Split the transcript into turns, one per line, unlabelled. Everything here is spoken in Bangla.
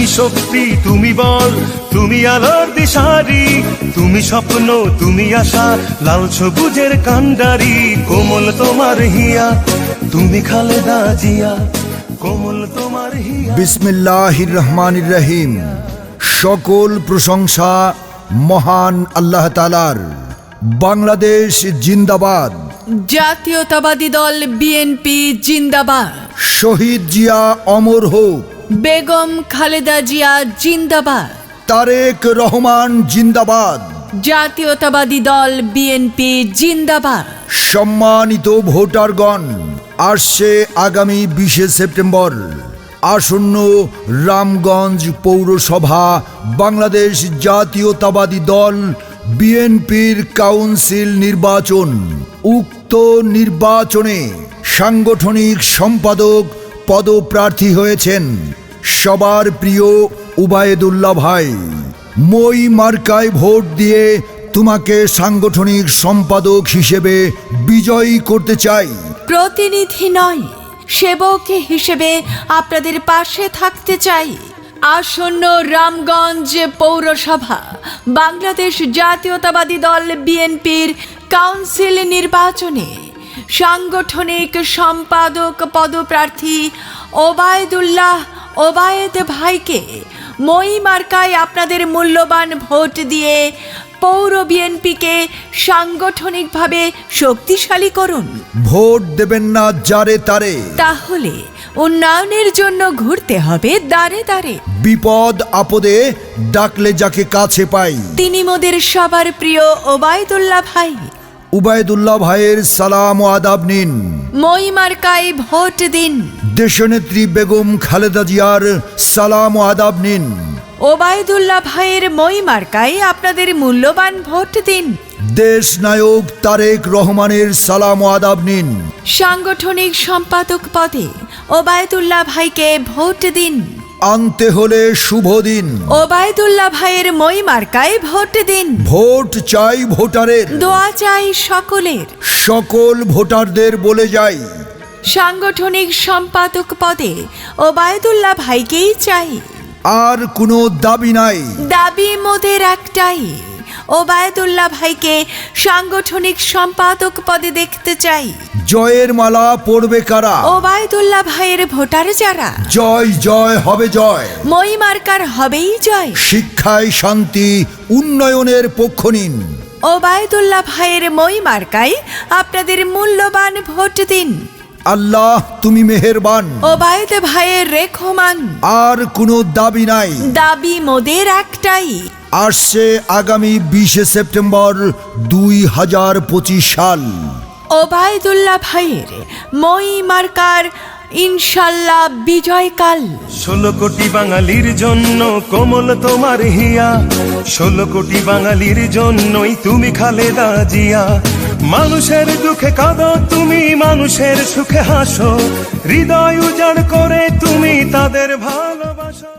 শক্তি, তুমি বল, তুমি আলোর দিশারি, তুমি স্বপ্ন, তুমি আশা, লাল সবুজের কান্ডারি। কোমল তোমার হিয়া, তুমি খালেদা জিয়া, কোমল তোমার হিয়া।
বিসমিল্লাহির রহমানির রহিম। সকল প্রশংসা মহান আল্লাহ তাআলার। বাংলাদেশ জিন্দাবাদ।
জাতীয়তাবাদী দল বিএনপি জিন্দাবাদ।
শহীদ জিয়া অমর হোক।
বেগম খালেদা জিয়া জিন্দাবাদ।
তারেক রহমান জিন্দাবাদ।
জাতীয়তাবাদী দল বিএনপি জিন্দাবাদ।
সম্মানিত ভোটারগণ, আসছে আগামী 20শে সেপ্টেম্বর আসন্ন রামগঞ্জ পৌরসভা বাংলাদেশ জাতীয়তাবাদী দল বিএনপির কাউন্সিল নির্বাচন। উক্ত নির্বাচনে সাংগঠনিক সম্পাদক পদপ্রার্থী হয়েছেন সবার প্রিয় উবায়েদুল্লাহ ভাই। মই মার্কায় ভোট দিয়ে তোমাকে সাংগঠনিক সম্পাদক হিসেবে বিজয়ী করতে চাই।
প্রতিনিধি নয়, সেবক হিসেবে আপনাদের পাশে থাকতে চাই। আসন্ন রামগঞ্জ পৌরসভা বাংলাদেশ জাতীয়তাবাদী দল বিএনপির কাউন্সিল নির্বাচনে সাংগঠনিক সম্পাদক পদপ্রার্থী ওবায়েদ ভাইকে মই মার্কায় আপনাদের মূল্যবান ভোট দিয়ে পৌর বিএনপিকে সাংগঠনিকভাবে শক্তিশালী করুন।
ভোট দেবেন না যারে তারে,
তাহলে উন্নয়নের জন্য ঘুরতে হবে দাঁড়ে দাঁড়ে।
বিপদ আপদে ডাকলে যাকে কাছে পাই,
তিনি মোদের সবার প্রিয় ওবায়দুল্লাহ ভাই।
উবায়েদুল্লাহ ভাইয়ের সালাম ও আদাব নিন।
মই মার্কায় ভোট দিন।
দেশনেত্রী বেগম খালেদা জিয়ার সালাম ও আদাব নিন।
ওবায়দুল্লাহ ভাইয়ের মই মার্কায় আপনাদের মূল্যবান ভোট দিন।
দেশ নায়ক তারেক রহমানের সালাম ও আদাব নিন।
সাংগঠনিক সম্পাদক পদে ওবায়দুল্লাহ ভাইকে ভোট দিন।
আনতে হলে শুভ দিন।
ওবায়দুল্লাহ ভাইয়ের মই মার্কায় ভোট দিন।
ভোট চাই ভোটারের,
দোয়া চাই সকলের।
সকল ভোটারদের বলে যাই,
সাংগঠনিক সম্পাদক পদে ওবায়দুল্লাহ ভাইকেই চাই।
আর কোনো দাবি নাই।
দাবি মোদের একটাই, ওবায়দুল্লাহ ভাইকে সাংগঠনিক সম্পাদক পদে দেখতে চাই।
জয়ের মালা পড়বে কারা?
ওবায়দুল্লাহ ভাইয়ের ভোটার যারা।
জয় জয় হবে জয়।
মই মার্কার হবেই জয়।
শিক্ষায় শান্তি, উন্নয়নের পক্ষ নিন।
ওবায়দুল্লাহ ভাইয়ের মই মার্কায় আপনাদের মূল্যবান ভোট দিন।
আল্লাহ তুমি মেহেরবান।
ওবায়দ ভাইয়ের রেখমান।
আর কোনো দাবি নাই।
দাবি মোদের একটাই।
আসছে আগামী 20শে সেপ্টেম্বর 2025 সাল।
ওবায়দুল্লাহ ভাইয়ের মই মার্কার ইনশাল্লাহ বিজয়কাল।
16 কোটি বাঙালির জন্য কোমল তোমার হিয়া, 16 কোটি বাঙালির জন্যই তুমি খালেদা জিয়া। মানুষের দুঃখে কাঁদো তুমি, মানুষের সুখে হাসো, হৃদয় উজাড় করে তুমি তাদের ভালোবাসো।